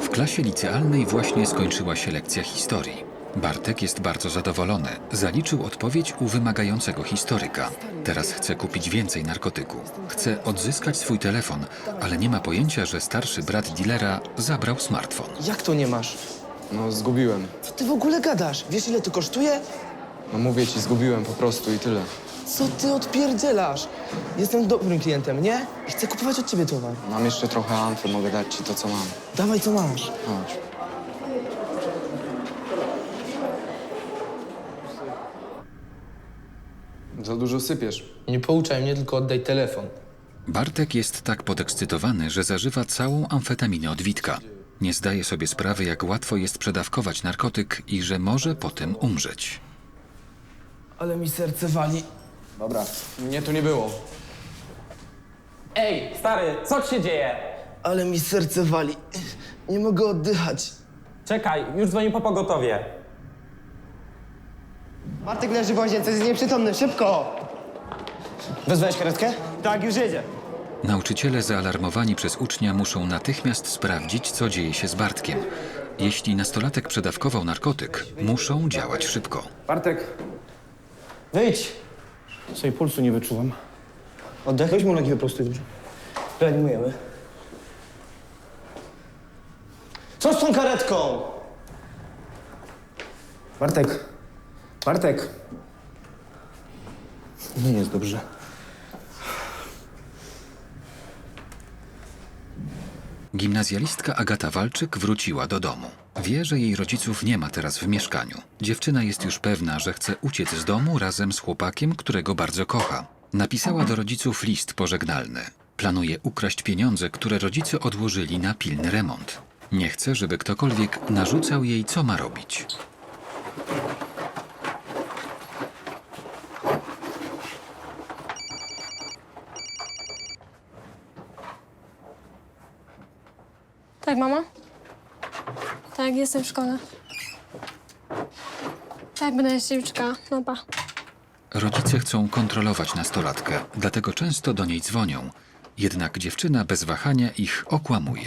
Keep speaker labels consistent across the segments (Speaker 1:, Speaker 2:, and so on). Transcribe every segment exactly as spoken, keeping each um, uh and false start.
Speaker 1: W klasie licealnej właśnie skończyła się lekcja historii. Bartek jest bardzo zadowolony. Zaliczył odpowiedź u wymagającego historyka. Teraz chce kupić więcej narkotyku. Chce odzyskać swój telefon, ale nie ma pojęcia, że starszy brat dealera zabrał smartfon.
Speaker 2: Jak to nie masz?
Speaker 3: No, zgubiłem.
Speaker 2: Co ty w ogóle gadasz? Wiesz, ile to kosztuje?
Speaker 3: No mówię ci, zgubiłem po prostu i tyle.
Speaker 2: Co ty odpierdzielasz? Jestem dobrym klientem, nie? I chcę kupować od ciebie towar.
Speaker 3: Mam jeszcze trochę amfy, mogę dać ci to, co mam.
Speaker 2: Dawaj, co masz.
Speaker 3: Chodź. Za dużo sypiesz.
Speaker 2: Nie pouczaj mnie, tylko oddaj telefon.
Speaker 1: Bartek jest tak podekscytowany, że zażywa całą amfetaminę od Witka. Nie zdaje sobie sprawy, jak łatwo jest przedawkować narkotyk i że może potem umrzeć.
Speaker 2: Ale mi serce wali.
Speaker 3: Dobra. Mnie tu nie było.
Speaker 4: Ej, stary, co ci się dzieje?
Speaker 2: Ale mi serce wali. Nie mogę oddychać.
Speaker 4: Czekaj, już dzwonię po pogotowie.
Speaker 5: Bartek leży w łazience, jest nieprzytomny, szybko! Wezwałeś karetkę? Tak, już jedzie.
Speaker 1: Nauczyciele zaalarmowani przez ucznia muszą natychmiast sprawdzić, co dzieje się z Bartkiem. Jeśli nastolatek przedawkował narkotyk, muszą działać szybko.
Speaker 5: Bartek! Wyjdź!
Speaker 6: Sobie pulsu nie wyczuwam.
Speaker 5: Oddech.
Speaker 6: Weź mu nogi wyprostuj, dobrze?
Speaker 5: Reanimujemy. Co z tą karetką?
Speaker 6: Bartek! Bartek! Nie jest dobrze.
Speaker 1: Gimnazjalistka Agata Walczyk wróciła do domu. Wie, że jej rodziców nie ma teraz w mieszkaniu. Dziewczyna jest już pewna, że chce uciec z domu razem z chłopakiem, którego bardzo kocha. Napisała do rodziców list pożegnalny. Planuje ukraść pieniądze, które rodzice odłożyli na pilny remont. Nie chce, żeby ktokolwiek narzucał jej, co ma robić.
Speaker 7: Tak, mama? Tak, jestem w szkole. Tak, będę jeszcze liczka. No pa.
Speaker 1: Rodzice chcą kontrolować nastolatkę, dlatego często do niej dzwonią. Jednak dziewczyna bez wahania ich okłamuje.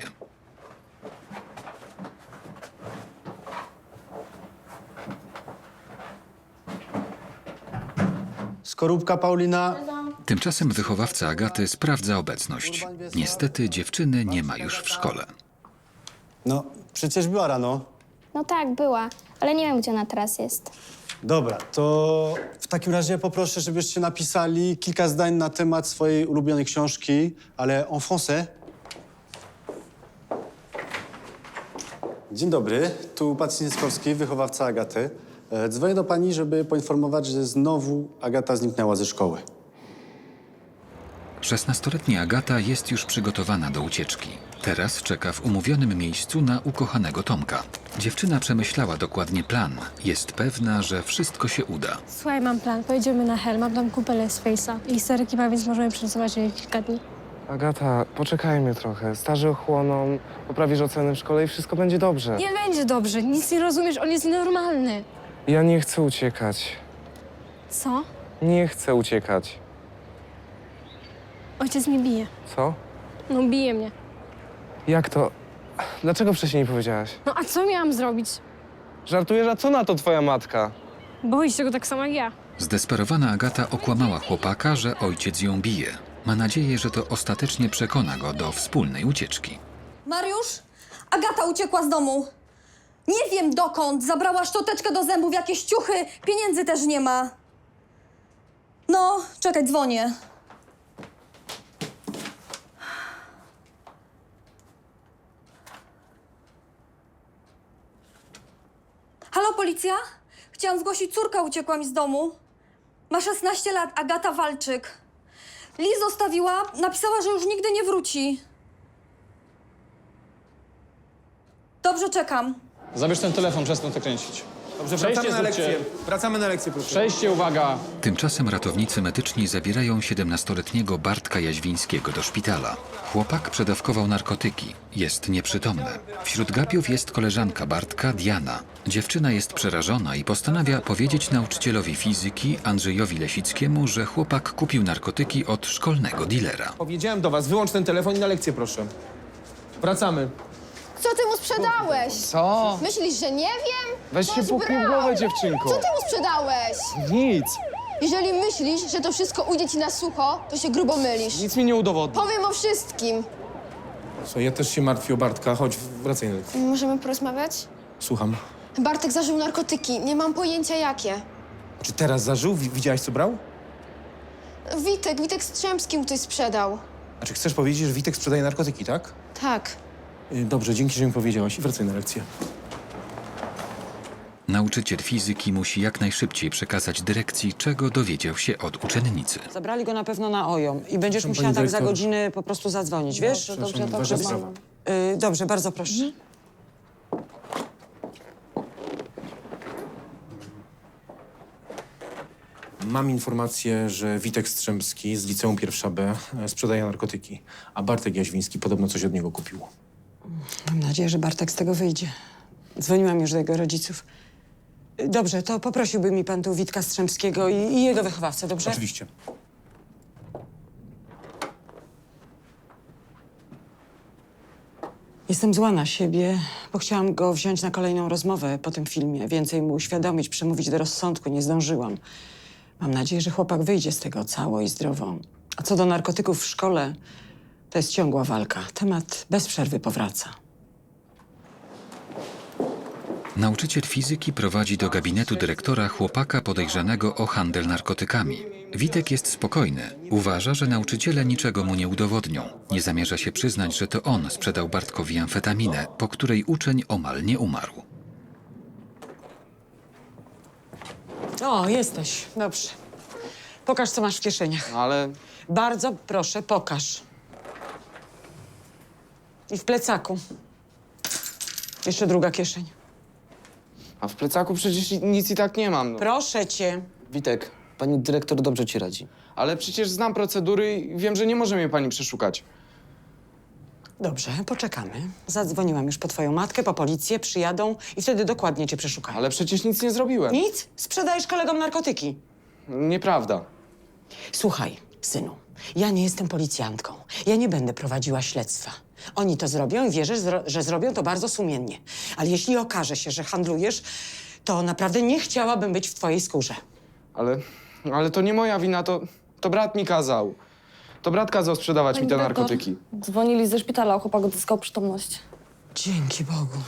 Speaker 8: Skorupka Paulina.
Speaker 1: Tymczasem wychowawca Agaty sprawdza obecność. Niestety dziewczyny nie ma już w szkole.
Speaker 8: No, przecież była rano.
Speaker 9: No tak, była, ale nie wiem, gdzie ona teraz jest.
Speaker 8: Dobra, to w takim razie poproszę, żebyście napisali kilka zdań na temat swojej ulubionej książki, ale en français. Dzień dobry, tu Pat Sinieskowski, wychowawca Agaty. E, Dzwonię do pani, żeby poinformować, że znowu Agata zniknęła ze szkoły.
Speaker 1: szesnastoletnia Agata jest już przygotowana do ucieczki. Teraz czeka w umówionym miejscu na ukochanego Tomka. Dziewczyna przemyślała dokładnie plan. Jest pewna, że wszystko się uda.
Speaker 7: Słuchaj, mam plan. Pojedziemy na Hel, mam tam kupę Let's Face'a. I historyki ma, więc możemy przesuwać je kilka dni.
Speaker 10: Agata, poczekajmy trochę. Starzy ochłoną, poprawisz oceny w szkole i wszystko będzie dobrze.
Speaker 7: Nie będzie dobrze, nic nie rozumiesz, on jest nienormalny.
Speaker 10: Ja nie chcę uciekać.
Speaker 7: Co?
Speaker 10: Nie chcę uciekać.
Speaker 7: Ojciec mnie bije.
Speaker 10: Co?
Speaker 7: No bije mnie.
Speaker 10: Jak to? Dlaczego wcześniej nie powiedziałaś?
Speaker 7: No a co miałam zrobić?
Speaker 10: Żartujesz, a co na to twoja matka?
Speaker 7: Boi się go tak samo jak ja.
Speaker 1: Zdesperowana Agata okłamała chłopaka, że ojciec ją bije. Ma nadzieję, że to ostatecznie przekona go do wspólnej ucieczki.
Speaker 11: Mariusz? Agata uciekła z domu. Nie wiem dokąd. Zabrała szczoteczkę do zębów, jakieś ciuchy. Pieniędzy też nie ma. No, czekaj, dzwonię. Halo, policja? Chciałam zgłosić, córka uciekła mi z domu. Ma szesnaście lat, Agata Walczyk. List zostawiła, napisała, że już nigdy nie wróci. Dobrze, czekam.
Speaker 12: Zabierz ten telefon, przestań to kręcić.
Speaker 6: Dobrze,
Speaker 12: Przejście
Speaker 6: wracamy na
Speaker 12: zróbcie.
Speaker 6: lekcję. Wracamy na lekcję, proszę.
Speaker 12: Przejście, uwaga.
Speaker 1: Tymczasem ratownicy medyczni zabierają siedemnastoletniego Bartka Jaźwińskiego do szpitala. Chłopak przedawkował narkotyki. Jest nieprzytomny. Wśród gapiów jest koleżanka Bartka, Diana. Dziewczyna jest przerażona i postanawia powiedzieć nauczycielowi fizyki Andrzejowi Lesickiemu, że chłopak kupił narkotyki od szkolnego dilera.
Speaker 6: Powiedziałem do was, wyłącz ten telefon i na lekcję, proszę. Wracamy.
Speaker 11: Co ty mu sprzedałeś?
Speaker 3: Co?
Speaker 11: Myślisz, że nie wiem?
Speaker 3: Weź się puknij w głowę, dziewczynko.
Speaker 11: Co ty mu sprzedałeś?
Speaker 3: Nic.
Speaker 11: Jeżeli myślisz, że to wszystko ujdzie ci na sucho, to się grubo mylisz.
Speaker 3: Nic mi nie udowodni.
Speaker 11: Powiem o wszystkim.
Speaker 6: Słuchaj, ja też się martwię o Bartka. Chodź, wracaj na lekcję.
Speaker 9: Możemy porozmawiać?
Speaker 6: Słucham.
Speaker 9: Bartek zażył narkotyki. Nie mam pojęcia jakie.
Speaker 6: Czy teraz zażył? Wi- Widziałaś, co brał?
Speaker 9: Witek, Witek Strzemski mu ktoś sprzedał.
Speaker 6: A czy chcesz powiedzieć, że Witek sprzedaje narkotyki, tak?
Speaker 9: Tak.
Speaker 6: Y, Dobrze, dzięki, że mi powiedziałaś. Wracaj na lekcję.
Speaker 1: Nauczyciel fizyki musi jak najszybciej przekazać dyrekcji, czego dowiedział się od uczennicy.
Speaker 13: Zabrali go na pewno na OJOM i będziesz
Speaker 6: Przepraszam,
Speaker 13: musiała
Speaker 6: pani
Speaker 13: tak za
Speaker 6: dyrektor.
Speaker 13: godzinę po prostu zadzwonić, wiesz?
Speaker 6: Dobrze, dobrze, ważna sprawa.
Speaker 13: Y, dobrze, bardzo proszę.
Speaker 6: Mam informację, że Witek Strzemski z liceum pierwsza B e, sprzedaje narkotyki, a Bartek Jaźwiński podobno coś od niego kupił.
Speaker 13: Mam nadzieję, że Bartek z tego wyjdzie. Dzwoniłam już do jego rodziców. Y, Dobrze, to poprosiłby mi pan tu Witka Strzemskiego i, i jego wychowawcę, dobrze?
Speaker 6: Oczywiście.
Speaker 13: Jestem zła na siebie, bo chciałam go wziąć na kolejną rozmowę po tym filmie. Więcej mu uświadomić, przemówić do rozsądku. Nie zdążyłam. Mam nadzieję, że chłopak wyjdzie z tego cało i zdrowo. A co do narkotyków w szkole, to jest ciągła walka. Temat bez przerwy powraca.
Speaker 1: Nauczyciel fizyki prowadzi do gabinetu dyrektora chłopaka podejrzanego o handel narkotykami. Witek jest spokojny. Uważa, że nauczyciele niczego mu nie udowodnią. Nie zamierza się przyznać, że to on sprzedał Bartkowi amfetaminę, po której uczeń omal nie umarł.
Speaker 13: O, jesteś. Dobrze. Pokaż, co masz w kieszeniach.
Speaker 3: Ale
Speaker 13: Bardzo proszę, pokaż. I w plecaku. Jeszcze druga kieszeń.
Speaker 3: a w plecaku przecież nic i tak nie mam. No.
Speaker 13: Proszę cię.
Speaker 5: Witek, pani dyrektor dobrze ci radzi.
Speaker 3: Ale przecież znam procedury i wiem, że nie może mnie pani przeszukać.
Speaker 13: Dobrze, poczekamy. Zadzwoniłam już po twoją matkę, po policję, przyjadą i wtedy dokładnie cię przeszukają.
Speaker 3: Ale przecież nic nie zrobiłem.
Speaker 13: Nic? Sprzedajesz kolegom narkotyki.
Speaker 3: Nieprawda.
Speaker 13: Słuchaj, synu, ja nie jestem policjantką. Ja nie będę prowadziła śledztwa. Oni to zrobią i wierzę, zro- że zrobią to bardzo sumiennie. Ale jeśli okaże się, że handlujesz, to naprawdę nie chciałabym być w twojej skórze.
Speaker 3: Ale, ale to nie moja wina, to, to brat mi kazał. To brat kazał sprzedawać mi te narkotyki.
Speaker 11: Dzwonili ze szpitala, chłopak odzyskał przytomność.
Speaker 13: Dzięki Bogu.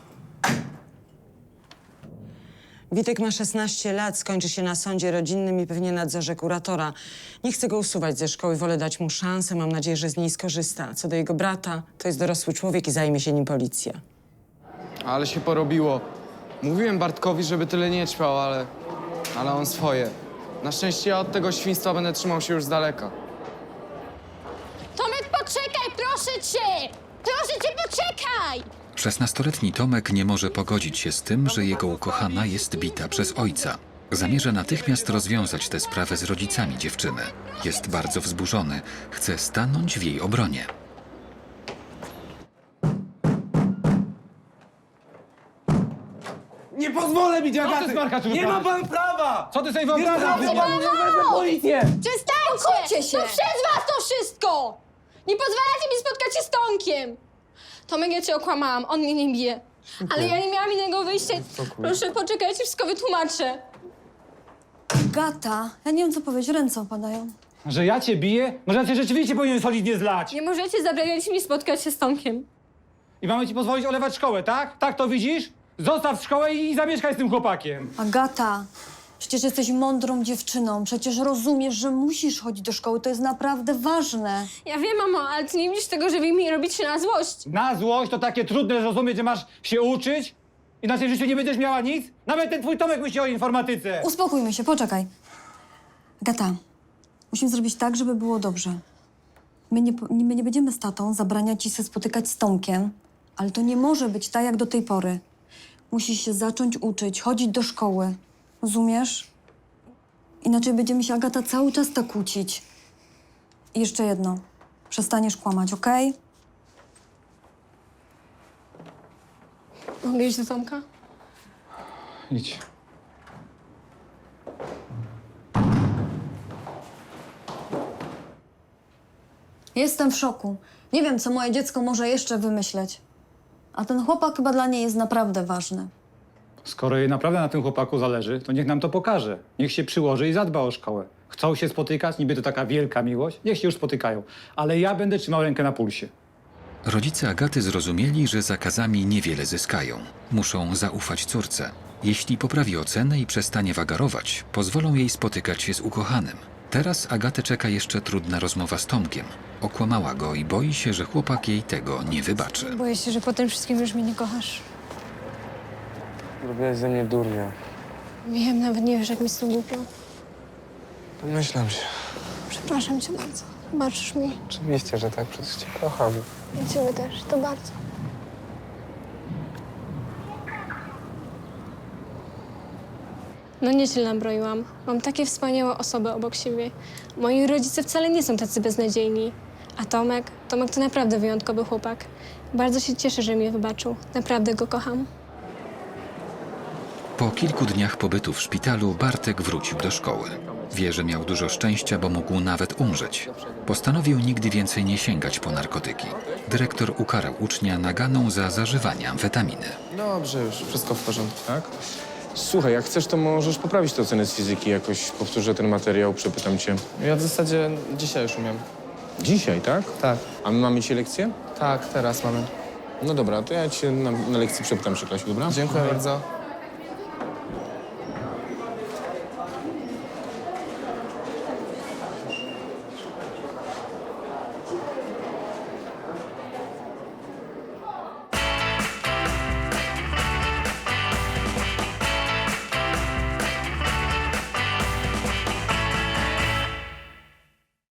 Speaker 13: Witek ma szesnaście lat, skończy się na sądzie rodzinnym i pewnie nadzorze kuratora. Nie chcę go usuwać ze szkoły, wolę dać mu szansę. Mam nadzieję, że z niej skorzysta. Co do jego brata, to jest dorosły człowiek i zajmie się nim policja.
Speaker 3: Ale się porobiło. Mówiłem Bartkowi, żeby tyle nie ćpał, ale... ale on swoje. Na szczęście ja od tego świństwa będę trzymał się już z daleka.
Speaker 11: Tomek, poczekaj, proszę cię! Proszę cię, poczekaj!
Speaker 1: szesnastoletni Tomek nie może pogodzić się z tym, że jego ukochana jest bita przez ojca. Zamierza natychmiast rozwiązać tę sprawę z rodzicami dziewczyny. Jest bardzo wzburzony. Chce stanąć w jej obronie.
Speaker 5: Nie pozwolę bić Agaty! Nie ma pan prawa!
Speaker 12: Co ty sobie wyobrażasz?
Speaker 5: Nie ma wezmę policję!
Speaker 11: Przestańcie! się! To przez was to wszystko! Nie pozwalacie mi spotkać się z Tomkiem! Tomek, ja cię okłamałam, on mnie nie bije. Ale ja nie miałam innego wyjścia. Proszę, poczekajcie, wszystko wytłumaczę.
Speaker 7: Gata, ja nie wiem co powiedzieć, ręce opadają.
Speaker 12: Że ja cię biję? Może ja cię rzeczywiście powinien solidnie zlać.
Speaker 11: Nie możecie zabraniać mi spotkać się z Tomkiem.
Speaker 12: I mamy ci pozwolić olewać szkołę, tak? Tak to widzisz? Zostaw szkołę i zamieszkaj z tym chłopakiem.
Speaker 7: Agata, przecież jesteś mądrą dziewczyną. Przecież rozumiesz, że musisz chodzić do szkoły. To jest naprawdę ważne.
Speaker 11: Ja wiem, mamo, ale ty nie widzisz tego, że wy mi robicie na złość.
Speaker 12: Na złość to takie trudne zrozumieć, że masz się uczyć? Inaczej w życiu nie będziesz miała nic? Nawet ten twój Tomek myśli o informatyce.
Speaker 7: Uspokójmy się, poczekaj. Agata, musimy zrobić tak, żeby było dobrze. My nie, po- my nie będziemy z tatą zabraniać ci się spotykać z Tomkiem, ale to nie może być tak, jak do tej pory. Musisz się zacząć uczyć, chodzić do szkoły. Rozumiesz? Inaczej będziemy się, Agata, cały czas tak kłócić. I jeszcze jedno. Przestaniesz kłamać, okej?
Speaker 11: Mogę iść do Tomka?
Speaker 12: Idź.
Speaker 7: Jestem w szoku. Nie wiem, co moje dziecko może jeszcze wymyśleć. A ten chłopak chyba dla niej jest naprawdę ważny.
Speaker 12: Skoro jej naprawdę na tym chłopaku zależy, to niech nam to pokaże. Niech się przyłoży i zadba o szkołę. Chcą się spotykać, niby to taka wielka miłość, niech się już spotykają. Ale ja będę trzymał rękę na pulsie.
Speaker 1: Rodzice Agaty zrozumieli, że zakazami niewiele zyskają. Muszą zaufać córce. Jeśli poprawi ocenę i przestanie wagarować, pozwolą jej spotykać się z ukochanym. Teraz Agatę czeka jeszcze trudna rozmowa z Tomkiem. Okłamała go i boi się, że chłopak jej tego nie wybaczy.
Speaker 11: Boję się, że po tym wszystkim już mnie nie kochasz.
Speaker 10: Zrobiłaś ze mnie durnia.
Speaker 11: Wiem, nawet nie wiesz, jak mi z tym głupio.
Speaker 10: Domyślam się.
Speaker 11: Przepraszam cię bardzo. Wybaczysz mi?
Speaker 10: Oczywiście, że tak, przecież cię kocham.
Speaker 11: I ciebie też, to bardzo. No nieźle nabroiłam. Mam takie wspaniałe osoby obok siebie. Moi rodzice wcale nie są tacy beznadziejni. A Tomek? Tomek to naprawdę wyjątkowy chłopak. Bardzo się cieszę, że mnie wybaczył. Naprawdę go kocham.
Speaker 1: Po kilku dniach pobytu w szpitalu Bartek wrócił do szkoły. Wie, że miał dużo szczęścia, bo mógł nawet umrzeć. Postanowił nigdy więcej nie sięgać po narkotyki. Dyrektor ukarał ucznia naganą za zażywanie amfetaminy.
Speaker 3: Dobrze już, wszystko w porządku.
Speaker 6: Tak? Słuchaj, jak chcesz, to możesz poprawić te oceny z fizyki. Jakoś powtórzę ten materiał, przepytam cię.
Speaker 3: Ja w zasadzie dzisiaj już umiem.
Speaker 6: Dzisiaj, tak?
Speaker 3: Tak,
Speaker 6: A my mamy dzisiaj lekcję?
Speaker 3: tak, teraz mamy.
Speaker 6: No dobra, to ja cię na, na lekcji przepytam przy klasie, dobra?
Speaker 3: Dziękuję bardzo.